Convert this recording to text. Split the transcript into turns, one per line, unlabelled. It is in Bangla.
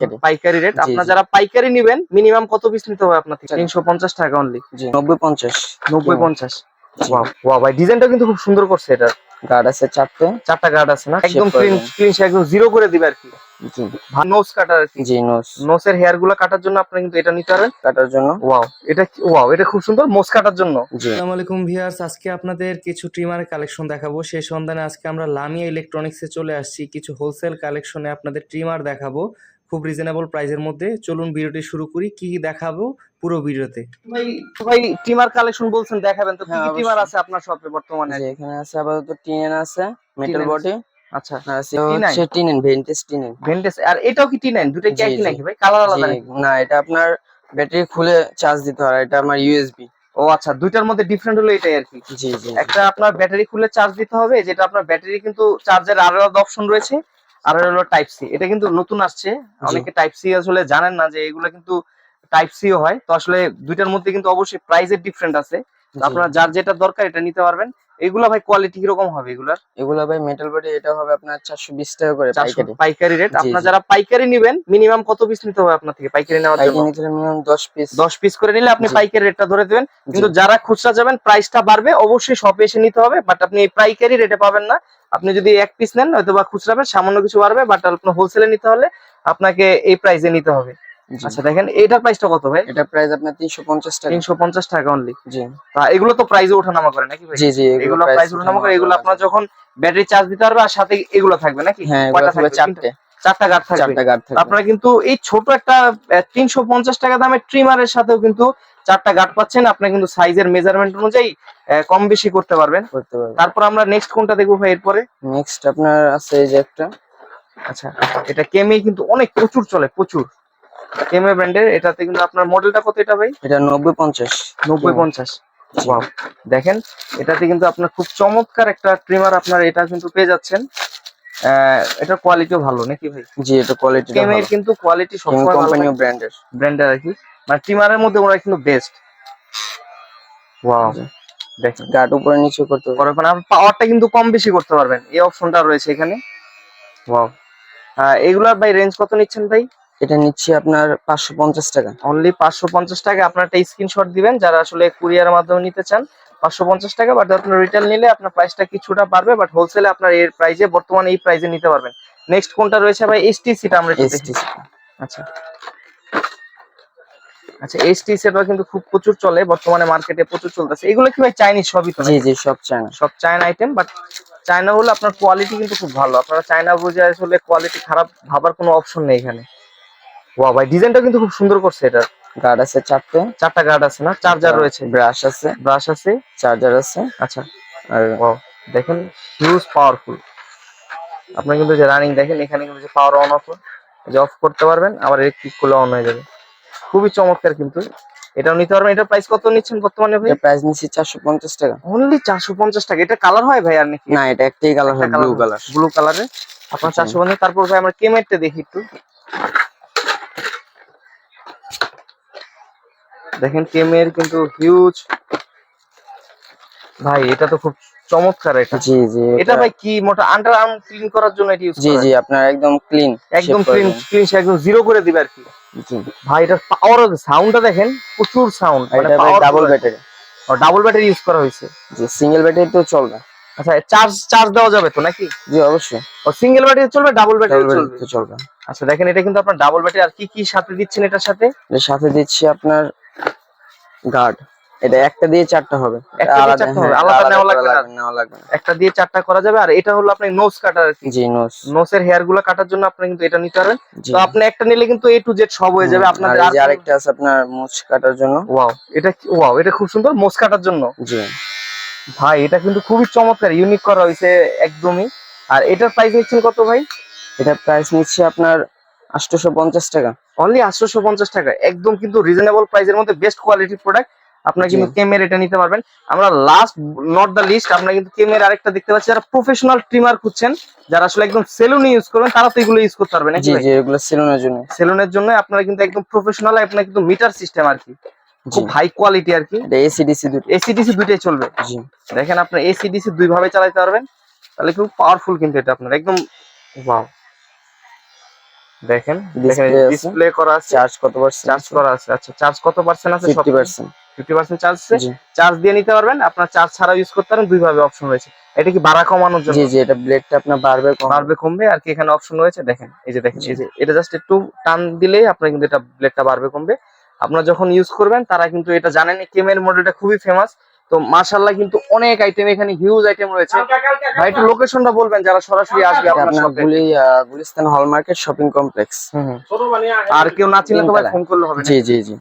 পাইকারি রেট। আপনারা যারা পাইকারি নেবেন মিনিমাম কত পিস নিতে হবে আপনার থেকে? 350 টাকা অনলি।
90-50
90-50। ওয়াও ওয়াও ভাই, ডিজাইনটা কিন্তু খুব সুন্দর করছে। এটা
গার্ড আছে চারটা
গার্ড আছে না? একদম ক্লিন ক্লিন, একদম জিরো করে দিবে আর কি।
জি
নোজ কাটার আর কি।
জি
নোজের হেয়ার গুলো কাটার জন্য আপনি কিন্তু এটা নিতে পারেন।
কাটার জন্য।
ওয়াও এটা খুব সুন্দর মোজ কাটার জন্য।
আসসালামু আলাইকুম ভিউয়ার্স, আজকে আপনাদের কিছু ট্রিমার কালেকশন দেখাবো। সেই সন্ধানে আজকে আমরা লামিয়া ইলেকট্রনিক্সে চলে আসছি। কিছু হোলসেল কালেকশনে আপনাদের ট্রিমার দেখাবো খুব রিজনেবল প্রাইসের মধ্যে। চলুন ভিডিওটি শুরু করি। কি কি দেখাবো পুরো ভিডিওতে।
ভাই ট্রিমার কালেকশন বলছেন দেখাবেন, তো কি কি ট্রিমার আছে আপনার শপে বর্তমানে?
এখানে আছে আপাতত টিএন আছে, মেটাল বডি।
আচ্ছা,
হচ্ছে টিএন
ভেন্টেজ। আর এটাও কি টি9? দুটোই কি একই নাকি ভাই? কালার আলাদা নাকি?
না, এটা আপনার ব্যাটারি খুলে চার্জ দিতে হয়, এটা আমার ইউএসবি।
ও আচ্ছা, দুইটার মধ্যে ডিফারেন্ট হলো এটাই আর কি।
জি জি।
একটা আপনার ব্যাটারি খুলে চার্জ দিতে হবে, যেটা আপনার ব্যাটারি কিন্তু চার্জের আলাদা অপশন রয়েছে। আর হলো টাইপ সি, এটা কিন্তু নতুন আসছে। অনেকে টাইপ সি আসলে জানেন না যে এগুলো কিন্তু টাইপ সিও হয়। তো আসলে দুইটার মধ্যে কিন্তু অবশ্যই প্রাইসের ডিফারেন্ট আছে। আপনারা যার যেটা দরকার এটা নিতে পারবেন। এগুলা ভাই কোয়ালিটি কিরকম হবে এগুলার?
এগুলা ভাই মেটাল বডি, এটা হবে আপনার 420 টাকা করে
পাইকারি রেট। আপনারা যারা পাইকারি নেবেন মিনিমাম কত পিস নিতে হবে আপনার থেকে পাইকারি নেওয়ার জন্য?
পাইকারি নিতে মিনিমাম 10 পিস
করে নিলে আপনি পাইকারি রেটটা ধরে দেবেন। কিন্তু যারা খুচরা যাবেন প্রাইসটা বাড়বে, অবশ্যই শপে এসে নিতে হবে। বাট আপনি পাইকারি রেটে পাবেন না। আপনি যদি এক পিস নেন হয়তো বা খুচরা সামান্য কিছু বাড়বে, বাট আপনার হোলসেলে নিতে হলে আপনাকে এই প্রাইসে নিতে হবে। আচ্ছা দেখেন এটার প্রাইসটা কত ভাই?
এটা প্রাইস আপনার 350 টাকা।
350 টাকা অনলি।
জি।
এগুলো তো প্রাইসে ওঠানামা করে নাকি ভাই?
জি জি,
এগুলো প্রাইস ওঠানামা করে। এগুলো আপনার যখন ব্যাটারি চার্জ দিতে পারবে আর সাথে এগুলো থাকবে নাকি?
হ্যাঁ,
কয়টা থাকবে? চারটা গার্ড থাকবে। আপনারা কিন্তু এই ছোট একটা 350 টাকা দামের ট্রিমারের সাথেও কিন্তু চারটা গার্ড পাচ্ছেন। আপনি কিন্তু সাইজের মেজারমেন্ট অনুযায়ী কম বেশি করতে পারবেন। তারপর আমরা নেক্সট কোনটা দেখবো ভাই? এরপরে
নেক্সট আপনার আছে এই যে একটা।
আচ্ছা, এটা কেমে কিন্তু অনেক প্রচুর চলে, প্রচুর। কেমে ব্র্যান্ডের। এটাতে কিন্তু আপনার মডেলটা কত এটা ভাই?
এটা 90-50।
90-50। ওয়াও দেখেন, এটাতে কিন্তু আপনার খুব চমৎকার একটা ট্রিমার আপনার এটা কিন্তু পেয়ে যাচ্ছেন। এটার কোয়ালিটিও ভালো নাকি ভাই?
জি, এটা কোয়ালিটি ভালো।
কেমের কিন্তু কোয়ালিটি সবসময়
কোম্পানি ও ব্র্যান্ডের
আর কি। মানে ট্রিমারের মধ্যে ওরা কিন্তু বেস্ট। ওয়াও দেখেন,
গার্ড উপরে নিচে করতে পারবেন।
আপনি পাওয়ারটা কিন্তু কম বেশি করতে পারবেন, এই অপশনটা রয়েছে এখানে। ওয়াও। এগুলার ভাই রেঞ্জ কত নিচ্ছেন ভাই?
এটা নিচ্ছি আপনার 550 টাকা
অনলি। 550 টাকা। আপনার একটা স্ক্রিনশট দিবেন যারা আসলে কুরিয়ারের মাধ্যমে নিতে চান। 550 টাকা। বাট আপনার রিটেল নিলে আপনার প্রাইসটা কিছুটা বাড়বে, বাট হোলসেলে আপনার এর প্রাইসে বর্তমানে এই প্রাইসে নিতে পারবেন। নেক্সট কোনটা রয়েছে ভাই? এসটিসিটা আমরা একটু দেখি। আচ্ছা আচ্ছা, এসটিসিটা কিন্তু খুব প্রচুর চলে বর্তমানে, মার্কেটে প্রচুর চলতেছে। এগুলো কি ভাই চাইনিজ সবই তো?
জি জি, সব চায়না।
সব চায়না আইটেম। বাট চায়না হলে আপনার কোয়ালিটি কিন্তু খুব ভালো। আপনারা চায়না বুঝে আসলে কোয়ালিটি খারাপ ভাবার কোনো অপশন নেই এখানে। ওয়াও ভাই, ডিজাইনটা কিন্তু খুব সুন্দর করছে। এটা
গার্ড আছে চারটা
গার্ড আছে না? চার্জার রয়েছে,
ব্রাশ আছে, চার্জার আছে।
আচ্ছা। আর ওয়াও দেখেন, হিউজ পাওয়ারফুল। আপনি কিন্তু যে রানিং দেখেন, এখানে কিন্তু যে পাওয়ার অন অফ, যে অফ করতে পারবেন, আবার ক্লিক করলে অন হয়ে যাবে। খুবই চমৎকার কিন্তু। এটাও নিতে পারবেন। এটার প্রাইস কত নিচ্ছেন বর্তমানে ভাই?
এটা প্রাইস নিচ্ছি 450 টাকা।
অনলি 450 টাকা। এটা কালার হয় ভাই আর নাকি?
না, এটা একটাই কালার হয়, ব্লু
কালারে। আপনার 450। তারপর ভাই আমরা কেমেরটা দেখি একটু। দেখেন কেমের কিন্তু হিউজ। ভাই এটা তো খুব চমৎকার। এটা
জি জি,
এটা ভাই কি মোটা আন্ডার আর্ম ক্লিন করার জন্য এটা ইউজ করা?
জি জি, আপনার একদম ক্লিন
ক্লিন একদম জিরো করে দিবে আর কি।
জি
ভাই এটার পাওয়ার, সাউন্ডটা দেখেন, প্রচুর সাউন্ড।
মানে double battery.
Double battery use করা হয়েছে।
জি, সিঙ্গেল ব্যাটারি তো চলবে।
আচ্ছা, চার্জ দেওয়া যাবে তো নাকি?
জি অবশ্যই।
ও সিঙ্গেল ব্যাটারি চলবে, ডাবল ব্যাটারি
চলবে।
আচ্ছা দেখেন, এটা কিন্তু আপনার ডাবল ব্যাটারি। আর কি কি সাথে দিচ্ছেন এটার সাথে?
এর সাথে দিচ্ছি আপনার গার্ড। এটা একটা দিয়ে চারটা হবে,
আলাদা নেওয়া লাগবে না। একটা দিয়ে চারটা করা যাবে। আর এটা হলো আপনার নোজ কাটার আর কি।
জি,
নোজের হেয়ার গুলো কাটার জন্য আপনি কিন্তু এটা নিতে পারবেন। তো আপনি একটা নিলে কিন্তু এ টু জেড সব হয়ে যাবে আপনাদের।
আর আরেকটা আছে আপনার মোচ কাটার জন্য।
ওয়াও এটা খুব সুন্দর, মোজ কাটার জন্য।
জি
ভাই এটা কিন্তু খুবই চমৎকার, ইউনিক করা হয়েছে একদমই। আর এটার প্রাইস নিচ্ছেন কত ভাই?
এটা প্রাইস নিচ্ছে আপনার 850 টাকা।
অনলি 850 টাকা। একদম কিন্তু রিজনেবল প্রাইসের মধ্যে বেস্ট কোয়ালিটির প্রোডাক্ট। আপনারা কিন্তু কেমের এটা নিতে পারবেন। আমরা লাস্ট নট দ্য লিস্ট, আমরা কিন্তু কেমের আরেকটা দেখতে পাচ্ছি। যারা প্রফেশনাল ট্রিমার খুঁজছেন, যারা আসলে একদম সেলুনে ইউজ করবেন, তারা তো এগুলো ইউজ করতে পারবেন।
জি জি, এগুলো
সেলুনের জন্য আপনারা কিন্তু একদম প্রফেশনাল। আপনারা কিন্তু মিটার সিস্টেম আর কি, খুব হাই কোয়ালিটি আর কি।
এটা এসিডিসি
দুইটাই চলবে।
জি
দেখেন, আপনি এসিডিসি দুই ভাবে চালাতে পারবেন। তাহলে খুব পাওয়ারফুল কিন্তু এটা আপনার একদম। ওয়াও দেখেন
Display আছে।
ডিসপ্লে করা আছে,
চার্জ কত পার্সেন্ট?
চার্জ করা আছে। আচ্ছা চার্জ কত পার্সেন্ট আছে?
50%।
50% চার্জ আছে।
জি
চার্জ দিয়ে নিতে পারবেন, আপনার চার্জ ছাড়াও ইউজ করতে পারেন, দুই ভাবে অপশন রয়েছে। এটা কি বাড়া কমানোর জন্য?
জি জি, এটা ব্লেডটা আপনার বাড়বে কমবে।
বাড়বে কমবে আর কি এখানে অপশন রয়েছে। দেখেন এই যে দেখেন
জি।
এই যে এটা জাস্ট একটু টান দিলেই আপনার কিন্তু এটা ব্লেডটা বাড়বে কমবে। আপনারা যখন ইউজ করবেন তারা কিন্তু এটা জানেন, কেমের মডেলটা খুবই ফেমাস। তো মাশাআল্লাহ কিন্তু অনেক আইটেম, এখানে হিউজ আইটেম রয়েছে। ভাই একটু লোকেশনটা বলবেন যারা সরাসরি আসবে
এটা
আপনার
আপনার
শপে।
গুলিস্তান হল মার্কেট শপিং কমপ্লেক্স।
আর কেউ না চিনলে তো ভাই
তিনতলা।
ফোন করলে হবে না?
জি জি জি।